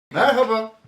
Merhaba.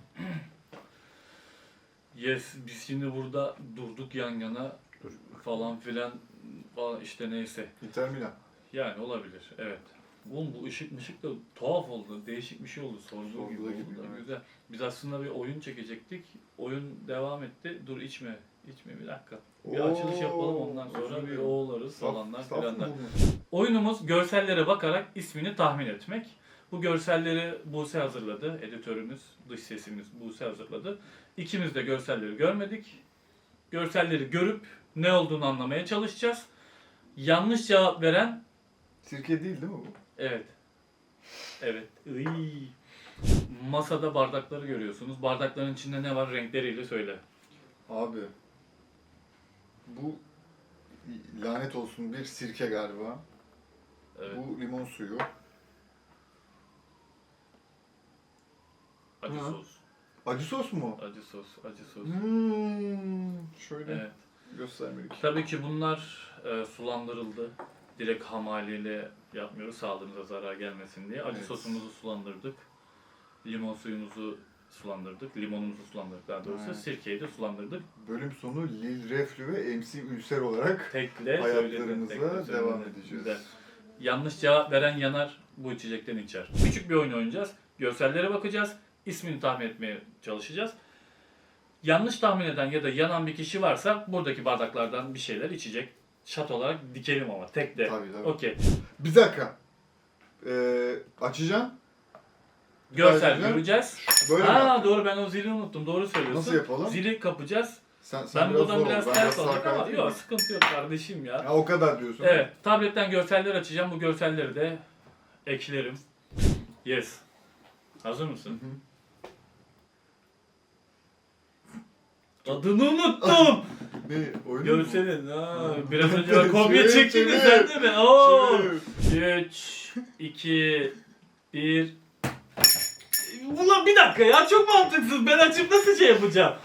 Yes, biz şimdi burada durduk yan yana falan filan işte neyse. Inter Milan. Yani olabilir, evet. Oğlum bu ışık da tuhaf oldu, değişik bir şey oldu, sorduğu gibi Sorduğu oldu. gibi, evet. Güzel. Biz aslında bir oyun çekecektik, oyun devam etti. Dur içme bir dakika. Bir açılış yapalım ondan sonra bir oğullarız falanlar filanlar. Oyunumuz görsellere bakarak ismini tahmin etmek. Bu görselleri Buse hazırladı. Editörümüz, dış sesimiz Buse hazırladı. İkimiz de görselleri görmedik. Görselleri görüp ne olduğunu anlamaya çalışacağız. Yanlış cevap veren... Sirke değil mi bu? Evet. Evet. Iy. Masada bardakları görüyorsunuz. Bardakların içinde ne var? Renkleriyle söyle. Abi. Bu lanet olsun bir sirke galiba. Evet. Bu limon suyu. Acı Ha. sos. Acı sos mu? Acı sos. Şöyle Evet. göstermelik. Tabii ki bunlar sulandırıldı. Direkt ham haliyle yapmıyoruz sağlığımıza zarar gelmesin diye. Acı Evet. sosumuzu sulandırdık. Limon suyumuzu sulandırdık. Limonumuzu sulandırdık daha doğrusu. Evet. Sirkeyi de sulandırdık. Bölüm sonu Lil Reflü ve MC Ülser olarak Tekle hayatlarımıza söyledim, devam söyledim. edeceğiz. Güzel. Yanlış cevap veren yanar, bu içecekten içer. Küçük bir oyun oynayacağız. Görsellere bakacağız. İsmini tahmin etmeye çalışacağız. Yanlış tahmin eden ya da yanan bir kişi varsa buradaki bardaklardan bir şeyler içecek. Şat olarak dikelim ama tek de. Tabii. Okey. Bir dakika. Açacağım. Görsel Ayrıca göreceğiz. Böyle mi? Ha doğru, ben o zili unuttum. Doğru söylüyorsun. Nasıl yapalım? Zili kapacağız. Sen Ben biraz buradan zor biraz ol. Ben ters sağ alacağım ama kaydım. yok sıkıntı yok kardeşim ya. Ya o kadar diyorsun. Evet, tabletten görseller açacağım. Bu görselleri de eklerim. Yes. Hazır mısın? Adını unuttum. Ne? Oyun mu? Görselin. Biraz önce ben kopya çektim de Çevir. sen değil mi? Oo. Çevir. 3, 2, 1. Ulan bir dakika ya, çok mantıksız. Ben açıp nasıl şey yapacağım?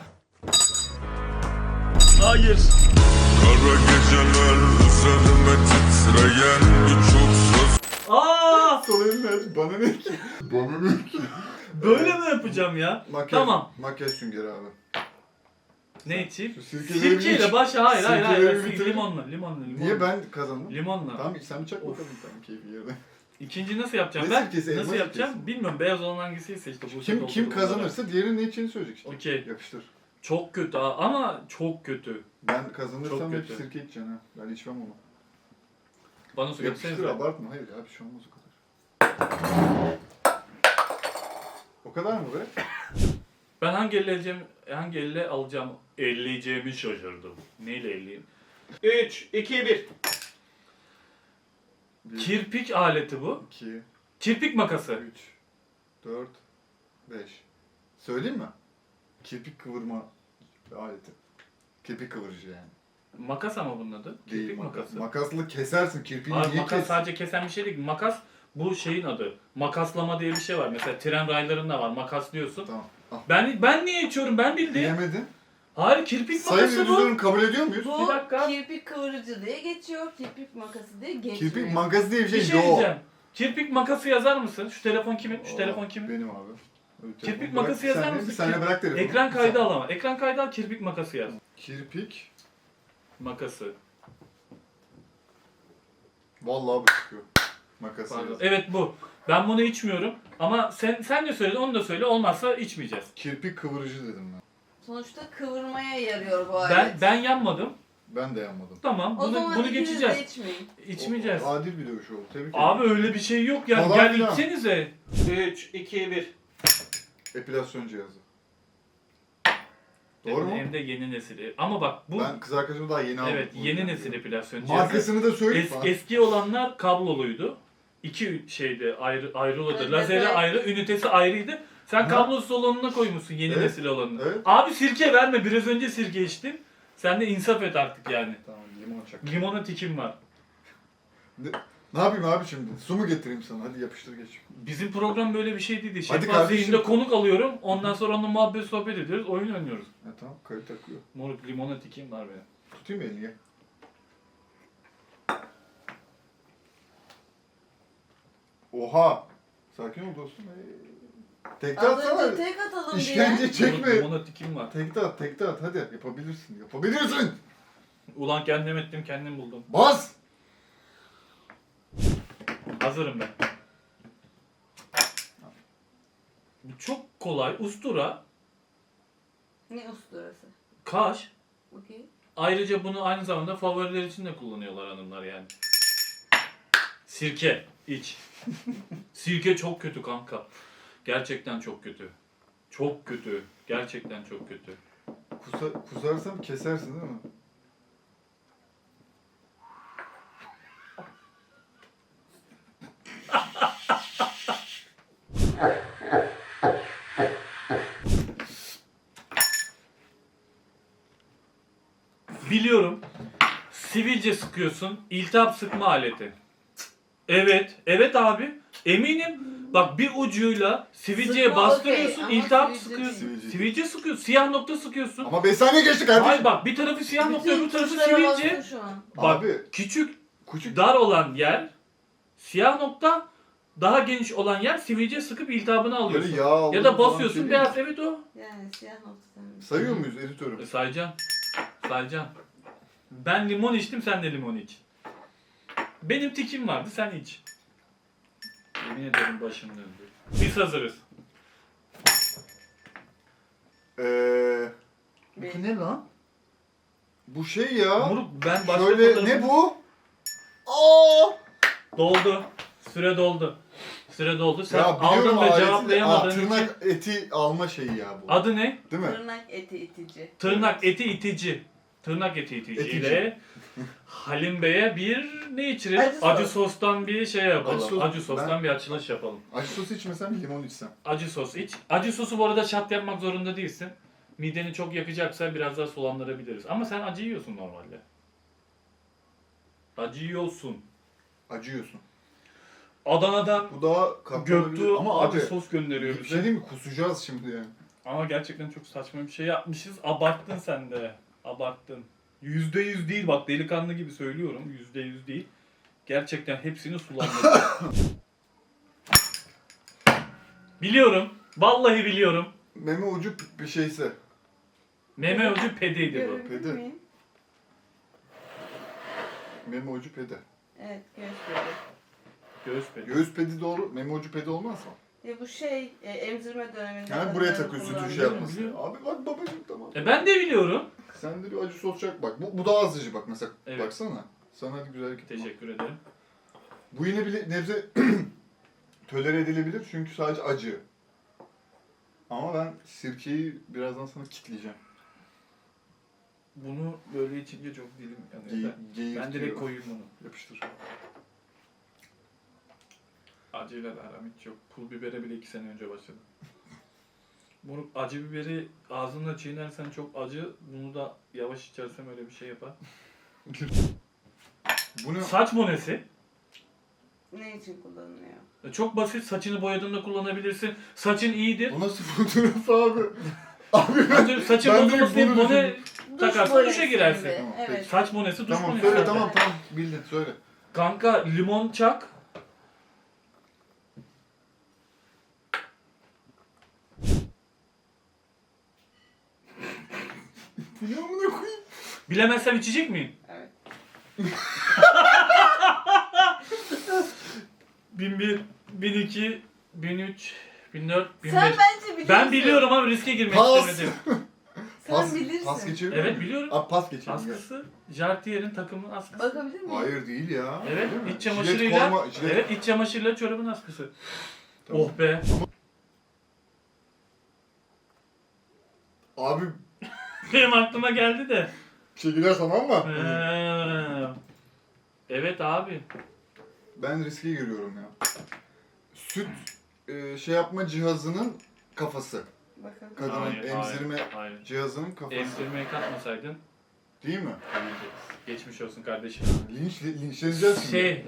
Hayır. Kara geceler üzerime titreyen birçok söz. Aa! Aç. Bana ne ki? Bana ne ki? Böyle mi yapacağım ya? Makyaj, Tamam. Makyaj süngeri abi. Ne içeyim? Şu sirkeleri Sirkeyle iç. başla. Hayır. Sirkeleri bitirin. Limonla. Niye ben kazandım? Limonla. Tamam sen bir çak Of. bakalım tamam keyfi yerine. İkinci nasıl yapacağım Ne ben? sirkesi, elma Nasıl yapacağım? sirkesi. Bilmiyorum. Beyaz olan hangisiyse işte. Bu Kim kazanırsa diğerinin ne içeceğini söyleyecek işte. Okey. Yapıştır. Çok kötü ama çok kötü. Ben kazanırsam Çok hep kötü. sirke içeceksin ha. Ben içmem onu. Bana su Yapıştır getirsenize. abartma. Hayır ya bir şey olmaz o kadar. O kadar mı be? Ben hangi elle alacağım? Elleyeceğimi şaşırdım. Neyle elleyeyim? 3, 2, 1. 1, Kirpik aleti bu. 2, Kirpik makası. 3, 4, 5. Söyleyeyim mi? Kirpik kıvırma aleti. Kirpik kıvırıcı yani. Makas ama bunun adı. Değil, Kirpik makası. Makasla kesersin kirpiğini Abi niye makas kes? sadece kesen bir şey değil. Makas bu şeyin adı. Makaslama diye bir şey var. Mesela tren raylarında var. Makas diyorsun. Tamam. Al. Ben niye içiyorum? Ben bildim. Diyemedin. Hayır, kirpik Sayın makası bu. yüzünü kabul ediyor muyuz? Bir Bu dakika. kirpik kıvırıcı diye geçiyor, kirpik makası diye geçmiyor. Kirpik makası diye bir Bir şey, şey yok. diyeceğim. Kirpik makası yazar mısın? Şu telefon kimin? Şu Aa, telefon kimin? Benim abi. Kirpik Bırak, makası bir yazar saniye, mısın? Bir saniye bırak telefonu. Ekran Bir kaydı saniye. al ama. Ekran kaydı al, kirpik makası yaz. Kirpik. Makası. Vallahi bu çıkıyor. Makası Pardon. yaz. Evet bu. Ben bunu içmiyorum. Ama sen de söyledin, onu da söyle. Olmazsa içmeyeceğiz. Kirpik kıvırıcı dedim ben. Sonuçta kıvırmaya yarıyor bu alet. Ben yanmadım. Ben de yanmadım. Tamam. O zaman Bunu ikiniz geçeceğiz. de içmeyin. İçmeyeceğiz. Adil bir dövüş oldu. Tebrik Abi ederim. öyle bir şey yok ya. Falan Gel filan. içsenize. 3, 2, 1. Epilasyon cihazı. Doğru mu? Hem de yeni nesili. Ama bak bu Ben kız arkadaşımı daha yeni aldım. evet Bu yeni yüzden nesil diyorum. epilasyon cihazı. Markasını da söyle. Eski olanlar kabloluydu. İki şeyde ayrılırdı. Evet, Lazeri evet. ayrı, ünitesi ayrıydı. Sen Ha. kablosuz olanına koymuşsun yeni Evet, nesil olanını. evet. Abi sirke verme. Biraz önce sirke içtin. Sen de insaf et artık yani. Tamam limon çak. Limona tikim var. Ne yapayım abi şimdi? Su mu getireyim sana? Hadi yapıştır geç. Bizim program böyle bir şey değildi. Hadi Şeffaf kardeşim. zihinde konuk alıyorum. Ondan sonra onunla muhabbet sohbet ediyoruz. Oyun oynuyoruz. Ha tamam kayıt takıyor. Moruk limona tikim var benim. Tutayım mı elini gel. Oha! Sakin ol dostum. Tekte Az atsana. önce tek atalım diye. İşkence çekme. Limona tikim var. Tekte at hadi yapabilirsin. Yapabilirsin. Ulan kendim ettim kendim buldum. Bas. Hazırım ben. Bu çok kolay. Ustura, Ne usturası? kaş. Okey. Ayrıca bunu aynı zamanda favoriler için de kullanıyorlar hanımlar yani. Sirke, iç. Sirke çok kötü kanka. Gerçekten çok kötü. Çok kötü. Gerçekten çok kötü. Kusarsam kesersin değil mi? Biliyorum. Sivilce sıkıyorsun. İltihap sıkma aleti. Evet. Evet abi. Eminim. Bak bir ucuyla sivilceye Sıkma bastırıyorsun. okey, ama İltihap sivilce sıkıyorsun. değil. Sivilce sıkıyorsun. Siyah nokta sıkıyorsun. Ama 5 saniye geçti kardeşim. Hayır bak bir tarafı siyah nokta öbür tarafı tuşlara sivilce. bastın şu an. Bak Abi küçük küçük. dar olan yer siyah nokta, daha geniş olan yer sivilce sıkıp iltihabını Böyle alıyorsun. yağ aldığın Ya da zaman basıyorsun şey değil beyaz mi? evet o. Yani siyah nokta sen. Sayıyor muyuz editörüm? Saycan. Saycan. Ben limon içtim sen de limon iç. Benim tikim vardı sen iç. Yemin ederim başım döndü. Biz hazırız. Bir. Ne lan? Bu şey ya. Moruk ben başka Şöyle fotoğrafı- ne bu? Aa! Doldu. Süre doldu. Süre doldu. Sen Ya biliyorum aldın ve aleti. cevaplayamadığın için. Tırnak eti alma şeyi ya bu. Adı ne? Değil mi? Tırnak eti itici. Tırnak eti itici. Tırnak eti itici Etici. ile Halim Bey'e bir ne içirelim? Acı sos. Acı sostan bir şey yapalım. Acı Acı, sos. sostan Ben- bir açılış yapalım. Acı sos içmesem limon içsem. Acı sos iç. Acı sosu bu arada şat yapmak zorunda değilsin. Mideni çok yakacaksa biraz daha sulandırabiliriz. Ama sen acı yiyorsun normalde. Acı yiyorsun. Acıyorsun. Adana'dan Bu daha katlanabilir. Göktuğ Ama acı abi sos gönderiyor bir şey bize. değil mi? Kusacağız şimdi yani. Ama gerçekten çok saçma bir şey yapmışız. Abarttın sen de. Abarttın. %100 değil bak delikanlı gibi söylüyorum. %100 değil. Gerçekten hepsini sulandırdım. Biliyorum. Vallahi biliyorum. Meme ucu bir şeyse. Meme ucu pedeydi bu. Görebilir Pedi. miyim? Meme ucu pedi. Evet gösteriyor. Göğüs pedi. Göğüs pedi doğru. Meme ucu pedi olmaz mı? Ya bu şey emzirme döneminde. Yani buraya kadınların takıyorsun kullandığı- sütü şey yapmasın. Biliyorum. Abi bak babacım tamam. Ben de biliyorum. Sen de bir acı sos çak bak. Bu daha azıcı bak mesela. Evet. Baksana. Sana hadi güzel hareket. Teşekkür ederim. Bu yine bir nebze tolere edilebilir çünkü sadece acı. Ama ben sirkeyi birazdan sana kitleyeceğim. Bunu böyle içince çok dilim yanıyor. Ben direkt koyayım bunu. Yapıştır. Acıyla da aram hiç yok. Pul bibere bile 2 sene önce başladım. Bunu acı biberi ağzınla çiğnersen çok acı. Bunu da yavaş içersem öyle bir şey yapar. Bu ne? Saç monesi. Ne için kullanılıyor? Çok basit. Saçını boyadığında kullanabilirsin. Saçın iyidir. Bu nasıl fotoğraf abi? Abi ben... Saçın ben direkt bozulmasın diye bunu mone takarsın bonesi duşa girersin. gibi, Tamam, Evet. peki. Saç monesi duş Tamam monesi. söyle zaten. tamam bildin söyle. Kanka limon çak. Bu ne amına koyayım? Bilemezsem içecek miyim? Evet. 1001, 1002, 1003, 1004, 1005. Sen bence biliyorsun. Ben biliyorum ama riske girmek Pas. istemedim. Sen Pas, bilirsin. pas geçebilir Evet miyim? biliyorum. Abi pas geçelim. gel. Askısı Jartier'in takımın askısı. Bakabilir miyim? Hayır değil ya. Evet, Değil mi? iç çamaşırıyla. Jilet forma, jilet- Evet, iç çamaşırıyla çorabın askısı. Tamam. Oh be. Abi Benim aklıma geldi de. çekiler tamam mı? Evet abi. Ben riske giriyorum ya. Süt şey yapma cihazının kafası. Bakalım. Kadının Hayır, emzirme hayır. cihazının kafası. Emzirmeye katmasaydın Değil mi? geçmiş olsun kardeşim. Linçleneceğiz şimdi. Şey,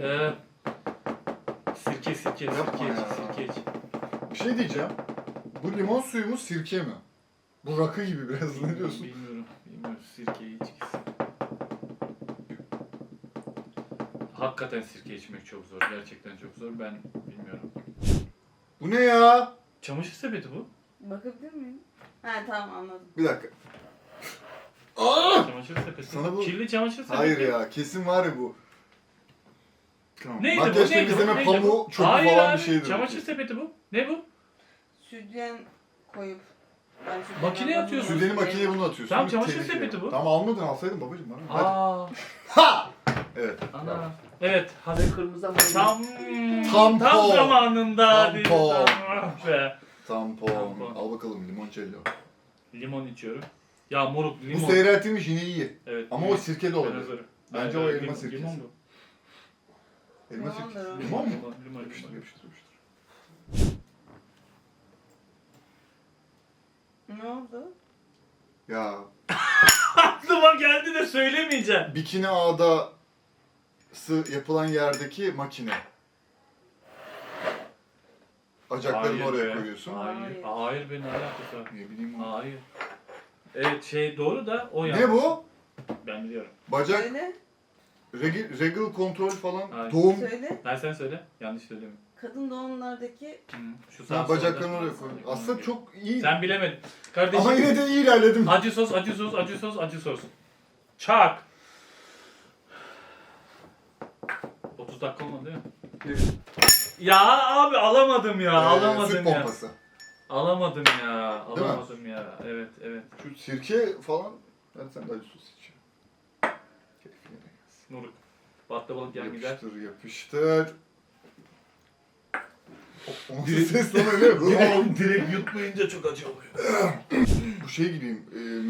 sirke Yapma ya. iç. Bir şey diyeceğim. Bu limon suyu mu sirke mi? Bu rakı gibi biraz ne diyorsun? Bilmiyorum. Sirke içkisi. Hakikaten sirke içmek çok zor. Gerçekten çok zor. Ben bilmiyorum. Bu ne ya? Çamaşır sepeti bu. Bakabilir miyim? Ha tamam anladım. Bir dakika. Aa! Çamaşır sepeti. Sana bu- Kirli çamaşır sepeti. Hayır ya, kesin var ya bu. Tamam. Neydi bu? Makyaj Neydi bu? temizleme Neydi pamuğu bu? çöpü Hayır falan abi, bir şeydir. çamaşır sepeti bu. Ne bu? Sütyen koyup. Ben sütyen Makineye almadım. atıyorsun. Sürdeni makineye bunu atıyorsun. Tamam, Bir çamaşır tehlikeli. sepeti bu. Tamam almadın, alsaydın babacım bana. Hadi. Aa. Ha! Evet. Ana. Evet. Hadi. Kırmızı ama Tam Tampon. zamanında. Tampon. dedi. Ah be. Tampon. Tampon. Al bakalım limoncello. Limon içiyorum. Ya moruk Bu limon. seyreltilmiş yine iyi. Evet. Ama o sirke de Ben olabilir. hazırım. Bence Evet, o evet, elma limon- sirkesi. Limon bu. Elma Limondur sirkesi. o. Limon mu? Limon. Yapıştır yapıştır yapıştır. Ne oldu? Ya Aklıma geldi de söylemeyeceğim. bikini ağdası yapılan yerdeki makine. Bacaklarını Hayır oraya be. koyuyorsun. Hayır. Hayır. Hayır be, ne alakası var? Ne bileyim o. Hayır. Evet şey doğru da o yani. Ne bu? Ben biliyorum. Bacak, Söyle. regal kontrol falan, Hayır. doğum. Söyle. Ben sen söyle. Yanlış söyleme. Kadın doğumlardaki Şu Ha, sağ bacaklarını solda. oraya koy. Aslında çok iyi. Sen bilemedin. Kardeşim. Ama yine de iyi ilerledim. Acı sos, acı sos, acı sos, acı sos. Çak. 30 dakika olmadı değil mi? Ya abi alamadım ya, Süt alamadım ya. pompası. Alamadım ya, Değil mi? alamadım ya. Evet, evet. Şu sirke falan. Ben sen de acı sos iç. Keyfine de gelsin. Nuruk. Baklavalık yan gider. Yapıştır yapıştır. O nasıl ses lan öyle? Direkt yutmayınca çok acı oluyor. Bu şey gibiyim.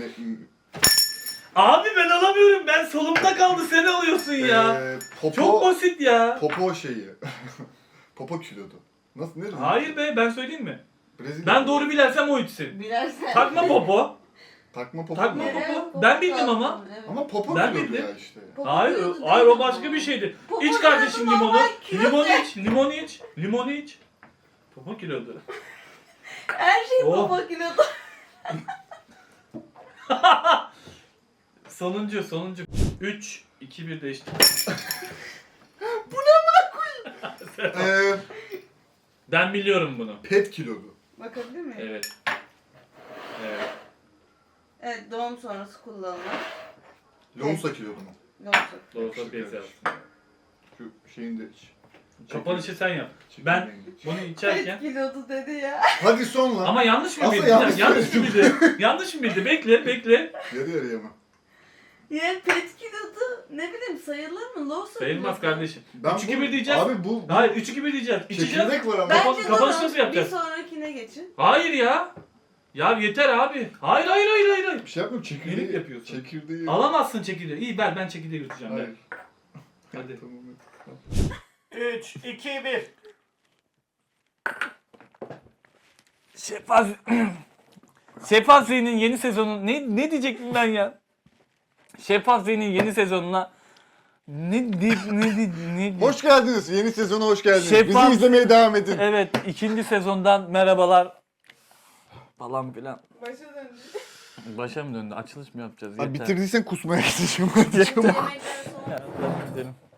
Abi ben alamıyorum. Ben solumda kaldı. Sen alıyorsun ya. Popo, Çok basit ya. popo şeyi. Popo kilodu. Nasıl ne? Hayır be, ben söyleyeyim mi? Brezilya. Ben doğru bilersem o içsin. bilersen. Takma popo. Takma popo. Takma mu? Evet, popo. popo Ben bildim kaldı. ama. Evet. Ama popo Ben kilodu bildim. ya işte. Popo Hayır, kilodu hayır değil o başka ama. bir şeydi. Popo İç kardeşim kilodu, limonu. normal kilo Limon de. iç, limon iç, limon iç. Popo kilodu. Her şey Oh. popo kilodu. Sonuncu. 3, 2, 1 değişti. Ee, Ben biliyorum bunu. pet kilodu. Bakabilir miyim? Evet. Evet. Evet, doğum sonrası kullanılan. Lonsa kilodu mu? Yoksa. Doğrusu bir yazsın. Şu şeyin de iç. Kapanışı sen yap. Çekirdeğini Ben de iç. bunu içerken... Pet kilodu dedi ya. Hadi son lan. Ama yanlış mı Aslında bildi? yanlış Yanlış mı söyledim. bildi? Yanlış mı bildi? Bekle. Yarı yarıya mı? Ya pet kilodu ne bileyim sayılır mı? Low Sayılmaz kardeşim. Ben 3-2-1 diyeceğiz. Abi bu Hayır 3-2-1 diyeceğiz. İçeceğiz. çekirdek var ama. Ben- Bence kapanış tamam. nasıl yapacağız? Bir sonrakine geçin. Hayır ya. Ya yeter abi. Hayır. Bir şey yapmıyorum çekirdeği. Nelik yapıyorsun? Çekirdeği. Alamazsın çekirdeği. İyi ben çekirdeği yutacağım. Hayır. Ben. Hadi. Tamam hadi. 3, 2, 1. Şeffaf Z'nin yeni sezonu ne diyecektim ben ya? Şeffaf Z'nin yeni sezonuna ne Hoş geldiniz. Yeni sezona hoş geldiniz. Şeffaf- Bizi izlemeye devam edin. Evet, ikinci sezondan merhabalar. Falan filan. Başa döndü. Başa mı döndü? Açılış mı yapacağız? Abi Yeter. bitirdiysen kusmaya gideceğim. Hadi Yemekten çabuk. sonra Ya, devam edelim.